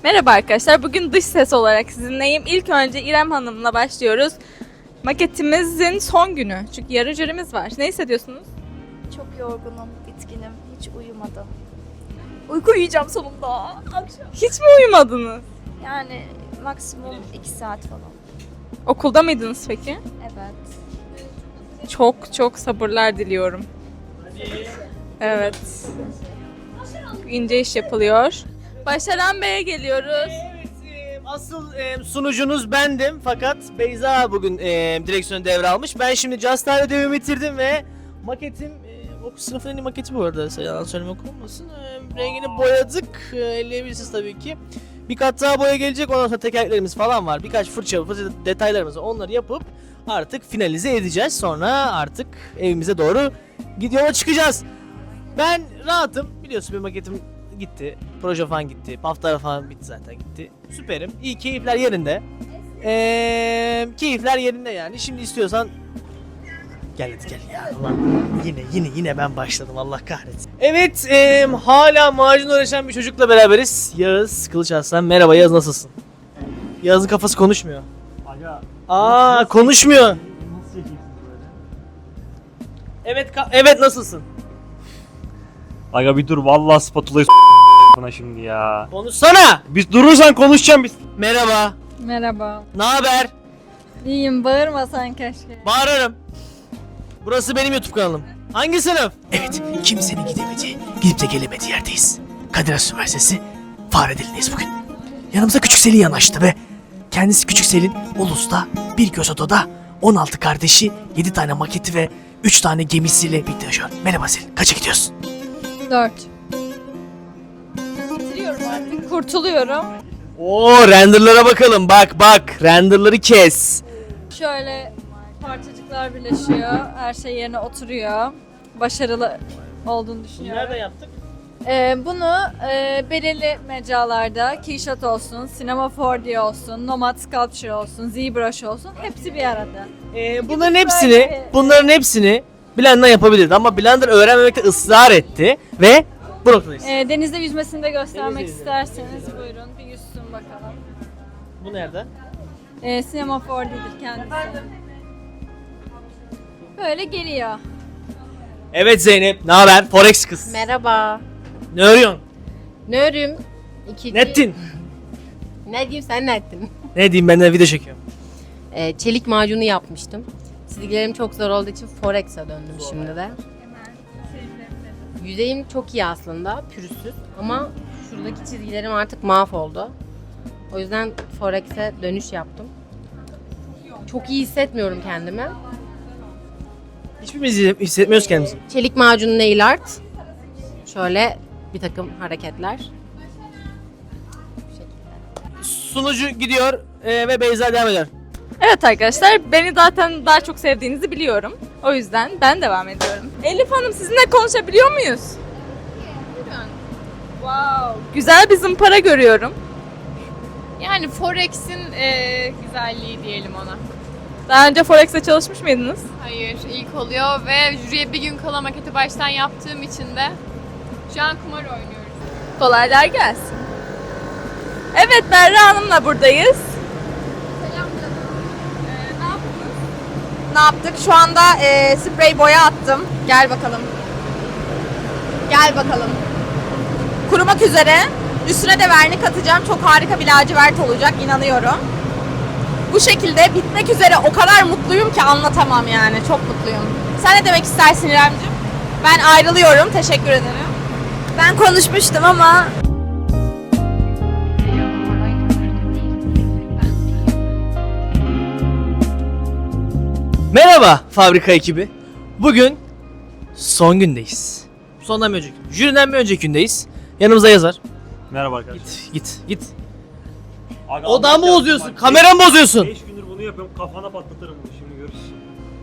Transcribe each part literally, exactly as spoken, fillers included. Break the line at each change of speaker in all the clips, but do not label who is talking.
Merhaba arkadaşlar, bugün dış ses olarak sizinleyim. İlk önce İrem Hanım'la başlıyoruz. Maketimizin son günü. Çünkü yarın jürimiz var. Ne hissediyorsunuz?
Çok yorgunum, bitkinim, hiç uyumadım. Uyku uyuyacağım sonunda. Akşam.
Hiç mi uyumadınız?
Yani maksimum iki saat falan.
Okulda mıydınız peki?
Evet.
Çok çok sabırlar diliyorum. Evet. İnce iş yapılıyor. Başaran Bey'e geliyoruz.
Evet, asıl e, sunucunuz bendim fakat Beyza bugün e, direksiyonu devralmış. Ben şimdi Just Time'da ödevimi bitirdim ve maketim, e, okul sınıfının en iyi maketi bu arada, yalan söylemek olmasın. E, rengini boyadık, e, elleyebilirsiniz tabii ki. Bir kat daha boya gelecek, ondan sonra tekerleklerimiz falan var. Birkaç fırça, fırça detaylarımız var, onları yapıp artık finalize edeceğiz. Sonra artık evimize doğru yola çıkacağız. Ben rahatım, biliyorsun bir maketim gitti, proje falan gitti, haftalar falan bitti zaten gitti. Süperim, iyi, keyifler yerinde. Eee keyifler yerinde yani. Şimdi istiyorsan gel hadi gel ya. Ulan yine yine yine ben başladım, Allah kahretsin. Evet, eee, hala macun uğraşan bir çocukla beraberiz. Yağız Kılıç Arslan. Merhaba Yağız, nasılsın? Yağız'ın kafası konuşmuyor.
Aga,
Aa, konuşmuyor.
nasıl çekiyorsunuz böyle?
Evet ka- evet nasılsın?
Aga bir dur, vallahi spatulayı bana şimdi ya.
Konuşsana.
Biz durursan konuşacağım biz.
Merhaba.
Merhaba.
Ne haber?
İyiyim, bağırmasan keşke.
Bağırırım. Burası benim YouTube kanalım. Hangi sınıf? Evet, kimsenin gidemediği, gidip de gelemediği yerdeyiz. Kadir Has Üniversitesi Fahredeli'ndeyiz bugün. Yanımıza Küçük Selin yanaştı ve kendisi Küçük Selin, Ulus'ta bir göz odada on altı kardeşi, yedi tane maketi ve üç tane gemisiyle birlikte yaşıyor. Merhaba Selin, kaça gidiyorsun?
Dört. Bitiriyorum artık, kurtuluyorum.
Oo, renderlara bakalım, bak bak, renderları kes.
Şöyle parçacıklar birleşiyor, her şey yerine oturuyor. Başarılı olduğunu düşünüyorum.
yaptık?
Ee, bunu e, belirli mecralarda, Keyshot olsun, Cinema four D olsun, Nomad Sculpture olsun, ZBrush olsun, hepsi bir arada.
Ee, bunların hepsini, bunların hepsini Blender yapabilirdi ama Blender öğrenmemekte ısrar etti ve bu noktadayız.
Ee, denizde yüzmesini de göstermek
Denizde
isterseniz buyurun bir yüzsün bakalım.
Bu nerede?
Ee, Cinema four D'dir kendisi. Böyle geliyor.
Evet Zeynep, ne haber? Forex kız.
Merhaba.
Ne örüyorsun?
Ne örüm? İki,
Ne ettin?
Ne diyeyim, sen ne ettin?
Ne diyeyim, ben de video çekiyorum.
Ee, çelik macunu yapmıştım. Çizgilerim çok zor olduğu için Forex'e döndüm şimdi de. Yüzeyim çok iyi aslında, pürüzsüz ama şuradaki çizgilerim artık mahvoldu. O yüzden Forex'e dönüş yaptım. Çok iyi hissetmiyorum kendimi.
Hiçbirimiz hissetmiyoruz kendimizi.
Çelik macunu nail art. Şöyle bir takım hareketler. Bu şekilde.
Sunucu gidiyor e, ve Beyza devam ediyor.
Evet arkadaşlar, beni zaten daha çok sevdiğinizi biliyorum. O yüzden ben devam ediyorum. Elif Hanım, sizinle konuşabiliyor muyuz? Wow, güzel bir zımpara görüyorum.
Yani Forex'in eee, güzelliği diyelim ona.
Daha önce Forex'te çalışmış mıydınız?
Hayır, ilk oluyor ve jüriye bir gün kala maketi baştan yaptığım için de şu an kumar oynuyoruz.
Kolaylar gelsin. Evet, Berra Hanım'la buradayız.
Ne yaptık? Şu anda e, sprey boya attım. Gel bakalım. Gel bakalım. Kurumak üzere. Üstüne de vernik atacağım. Çok harika bir lacivert olacak, inanıyorum. Bu şekilde bitmek üzere, o kadar mutluyum ki anlatamam yani. Çok mutluyum. Sen ne demek istersin İremciğim? Ben ayrılıyorum. Teşekkür ederim. Ben konuşmuştum ama...
Merhaba fabrika ekibi. Bugün son gündeyiz. Sondan bir önceki, jüriden bir önceki gündeyiz. Yanımızda yazar.
Merhaba arkadaşlar.
Git, git, git.
Aga,
Odamı
anlatacağım.
bozuyorsun,
Bak,
kameramı bozuyorsun.
beş gündür bunu yapıyorum, kafana patlatırım bunu, şimdi görürsün.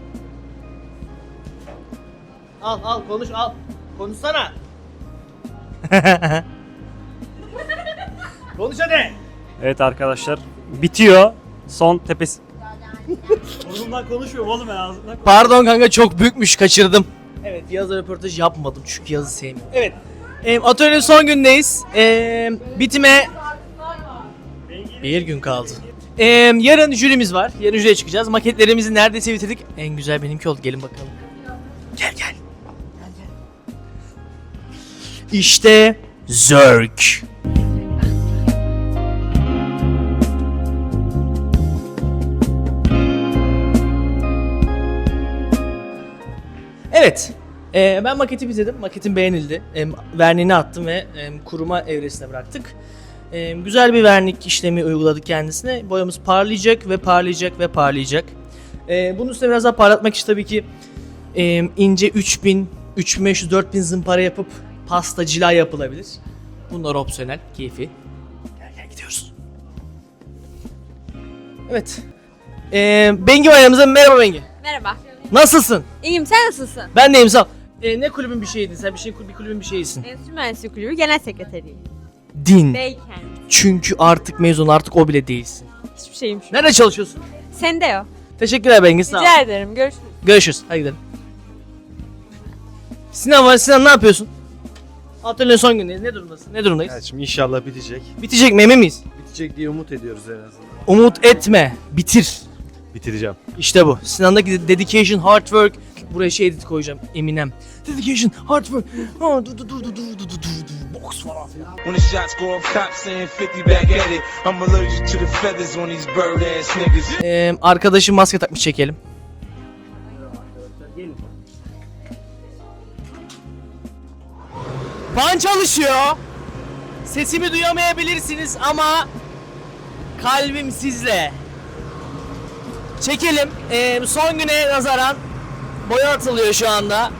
Al, al, konuş, al. Konuşsana. Konuş hadi.
Evet arkadaşlar, bitiyor. Son tepesi. Burnumdan konuşmuyorum oğlum, ben ağzımdan.
Pardon kanka, çok büyükmüş, kaçırdım. Evet, Yaz'la röportaj yapmadım çünkü Yaz'ı sevmiyorum. Evet, e, atölyenin son gündeyiz. E, bitime Bir gün kaldı. Ee, yarın jürimiz var. Yarın jüriye çıkacağız. Maketlerimizi neredeyse bitirdik. En güzel benimki oldu. Gelin bakalım. Gel gel. Gel gel. İşte Zerk. Evet. Ee, ben maketi bitirdim. Maketim beğenildi. Ee, verniğini attım ve e, kuruma evresine bıraktık. Ee, güzel bir vernik işlemi uyguladık kendisine. Boyamız parlayacak ve parlayacak ve parlayacak. Ee, bunun üstüne biraz daha parlatmak için tabii ki e, ince üç bin, üç bin beş yüz, dört bin zımpara yapıp pasta cila yapılabilir. Bunlar opsiyonel, keyfi. Gel gel gidiyoruz. Evet. Ee, Bengi var yanımızda. Merhaba Bengi.
Merhaba.
Nasılsın?
İyiyim, sen nasılsın?
Ben deyim sağ ol. Ee, ne kulübün bir şeydin? Sen bir şey bir kulübün bir şeysin.
Enstitü Mühendisliği Kulübü Genel Sekreteriyim.
Din.
Beyken.
Çünkü artık mezun, artık o bile değilsin.
Hiçbir şeyim şu.
Nerede çalışıyorsun?
Sen de o.
Teşekkürler Bengi, sağ ol.
Rica ederim. Görüşürüz.
Görüşürüz. Hadi gidelim. Sinan var. Sinan ne yapıyorsun? Atölyenin son günü. Ne durumdasın? Ne durumdayız?
Evet, şimdi inşallah bitecek.
Bitecek mi, emin miyiz?
Bitecek diye umut ediyoruz en azından.
Umut etme. Bitir.
Bitireceğim.
İşte bu. Sinan'daki dedication, hard work. Buraya şey edit koyacağım. Eminem. Dedication, hard work. Ha, dur dur dur dur dur dur dur dur. Box falan filan.
When the shots go off, cops saying fifty back at it. I'm allergic to the feathers on these bird ass niggas.
Ee, arkadaşım maske takmış, çekelim. Fan çalışıyor. Sesimi duyamayabilirsiniz ama kalbim sizle. Çekelim. Ee, son güne nazaran boya atılıyor şu anda.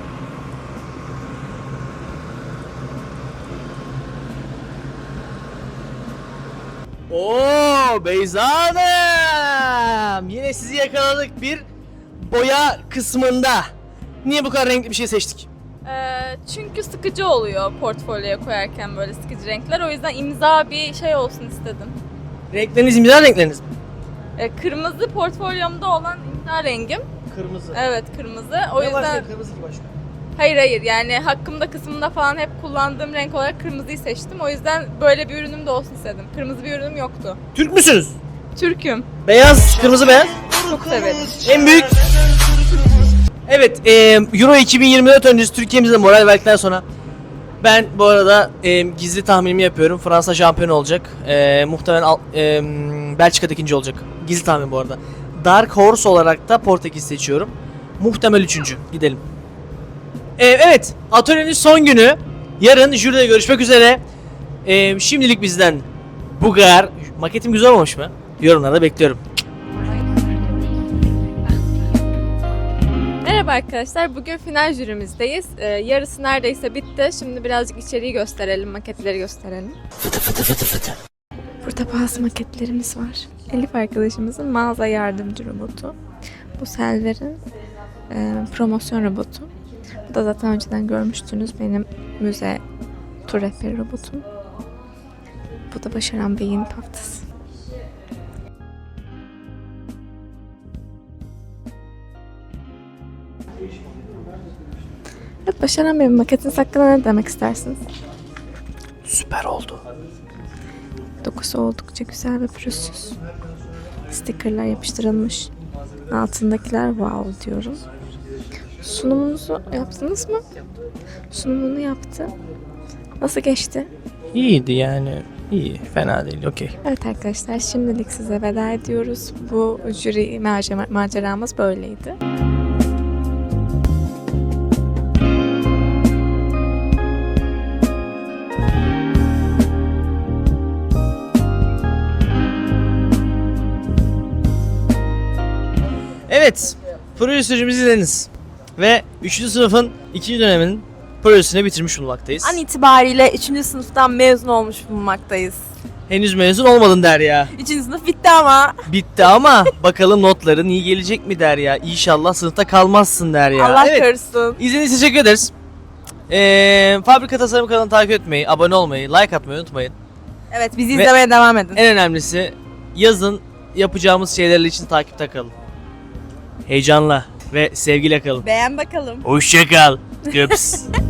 Oo Beyza Hanım. Yine sizi yakaladık bir boya kısmında. Niye bu kadar renkli bir şey seçtik?
Ee, çünkü sıkıcı oluyor portfolyoya koyarken böyle sıkıcı renkler. O yüzden imza bir şey olsun istedim.
Renkleriniz imza renkleriniz mi?
Ee, kırmızı portfolyomda olan imza rengim.
Kırmızı.
Evet, kırmızı. O
Ne
yüzden
başka kırmızı ki başka?
hayır hayır yani hakkımda kısmında falan hep kullandığım renk olarak kırmızıyı seçtim. O yüzden böyle bir ürünüm de olsun istedim. Kırmızı bir ürünüm yoktu.
Türk müsünüz?
Türk'üm.
Beyaz, kırmızı beyaz.
Çok severim.
En büyük. Evet, e, Euro iki bin yirmi dört öncesi Türkiye'mizde moral verdikten sonra ben bu arada e, gizli tahminimi yapıyorum. Fransa şampiyon olacak. E, muhtemelen al- e, Belçika'da ikinci olacak. Gizli tahmin bu arada. Dark Horse olarak da Portekiz seçiyorum. Muhtemel üçüncü. Gidelim. E, evet, atölyenin son günü. Yarın jüride görüşmek üzere. E, şimdilik bizden bu kadar. Maketim güzel olmuş mu? Yorumlarda bekliyorum.
Merhaba arkadaşlar. Bugün final jürimizdeyiz. Ee, yarısı neredeyse bitti. Şimdi birazcık içeriği gösterelim, maketleri gösterelim. Fıtı fıtı fıtı fıtı. Burada bazı maketlerimiz var. Elif arkadaşımızın mağaza yardımcı robotu. Bu Selver'in e, promosyon robotu. Bu da zaten önceden görmüştünüz benim müze tur rehberi robotum. Bu da Başaran Bey'in paftası. Evet, Başaran Bey'in maketiniz hakkında ne demek istersiniz?
Süper oldu.
Dokusu oldukça güzel ve pürüzsüz. Stickerlar yapıştırılmış. Altındakiler wow diyorum. Sunumunuzu yaptınız mı? Sunumunu yaptı. Nasıl geçti?
İyiydi yani. İyi, fena değil, okey.
Evet arkadaşlar, şimdilik size veda ediyoruz. Bu jüri macer- maceramız böyleydi.
Evet, proje sürecimizi izlediniz. Ve üçüncü sınıfın ikinci döneminin projesini bitirmiş bulunmaktayız.
An itibariyle üçüncü sınıftan mezun olmuş bulunmaktayız.
Henüz mezun olmadın Derya.
üçüncü sınıf bitti ama.
Bitti ama bakalım notların iyi gelecek mi Derya? İnşallah sınıfta kalmazsın Derya.
Allah
Evet,
korusun.
izlediğiniz için teşekkür ederiz. Ee, Fabrika Tasarım kanalını takip etmeyi, abone olmayı, like atmayı unutmayın.
Evet, bizi
Ve-
izlemeye devam edin.
En önemlisi yazın yapacağımız şeyler için takipte kalın. Heyecanla ve sevgiyle kalın.
Beğen bakalım.
Hoşça kal. Köps.